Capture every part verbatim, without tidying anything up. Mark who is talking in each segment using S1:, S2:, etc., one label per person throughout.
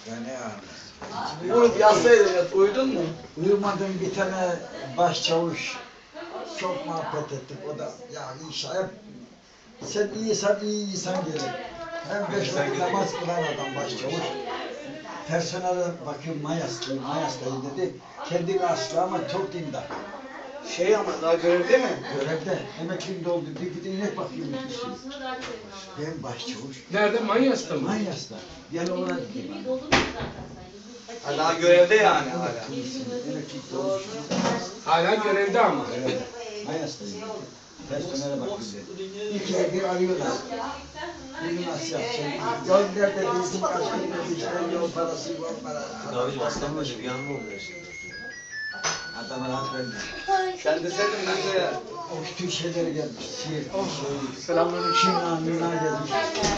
S1: Ya ne ağrısı?
S2: Uyup yatsaydın ya, uyudun mu?
S1: Uyumadım, bir tane başçavuş çok muhabbet ettik. O da ya inşallah hep sen iyisen iyi insan gelir. Hem beş vakit namaz kılan adam başçavuş. Personele bakıyorum Mayas'tayım, Mayas'tayım dedi. Kendi aslı ama çok dindar.
S2: Şey ama daha görevde mi?
S1: Görevde, emekliliğinde oldu. Bir gidin inek bakayım. Ben başçavuş.
S3: Nerede? Manyas'ta mı?
S1: Mayas'ta. Gel oraya gideyim.
S2: Ha, daha görevde yani hala.
S1: Emeklilikte olmuş.
S3: Hala görevde ama.
S1: Evet. Mayas'tayım. Personele bakayım dedi. İkide bir arıyorlar. Bunu nasıl yapacağım? Yol nerede değilsin, kaç gün işte yol parası, yol parası.
S4: Abicim aslan böyle bir yanma oluyor şimdi.
S1: Adama rahat vermiyor.
S2: Sen deseydin mesela.
S1: O bütün şeyleri gelmiş. Siirt, şey,
S3: Selamünaleyküm.
S1: Şina, Mina gelmiş.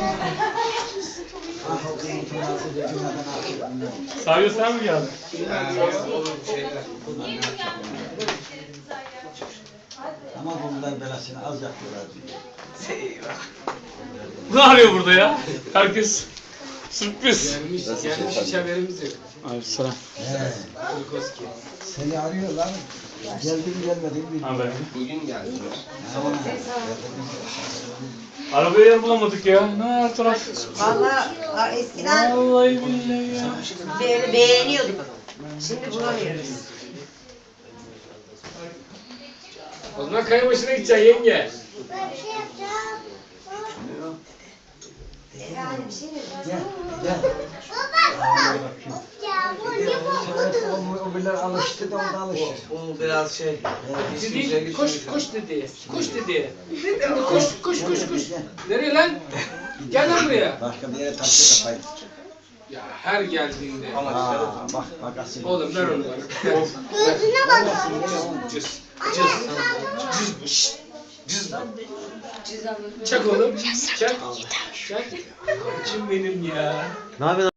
S1: Ah o kızın tırnası da dünyadan artık bunlar.
S3: Sadece sen mi geldin?
S2: Yani olur bir şeyler.
S1: Bunlar ne yapacak bunlar? Ama bunlar belasını az yapıyorlar diyor.
S2: Eyvah.
S3: Ne arıyor burada ya? Herkes sürpriz.
S2: Gelmiş, gelmiş hiç haberimiz yok.
S3: Aleykümselam.
S1: He. Seni arıyorlar. Geldim gelmedim bilmiyorum.
S3: Haber.
S2: Bugün geldi.
S3: Arabaya yer bulamadık ya. Ne her taraf?
S5: Vallahi eskiden
S3: Vallahi billahi ya.
S5: böyle beğeniyorduk. Şimdi bulamıyoruz.
S3: O zaman kaya başına gideceksin yenge.
S5: Yani bir şey mi?
S1: Gel, gel. O, o bile alıştı da o da alışır.
S2: Bu biraz şey.
S3: Dedi, koş koş dedi. Koş dedi. Koş koş koş koş. Nereye lan? Gel lan buraya.
S1: Başka bir yere taşı kafayı.
S3: Ya her geldiğinde.
S1: Aa, bak bak asil.
S3: Oğlum ver onu bana.
S5: Gözüne bak.
S3: Cız. Cız. Cız. Cız. Çak oğlum. Çak. Çak. Koçum benim ya.
S4: Ne yapıyorsun?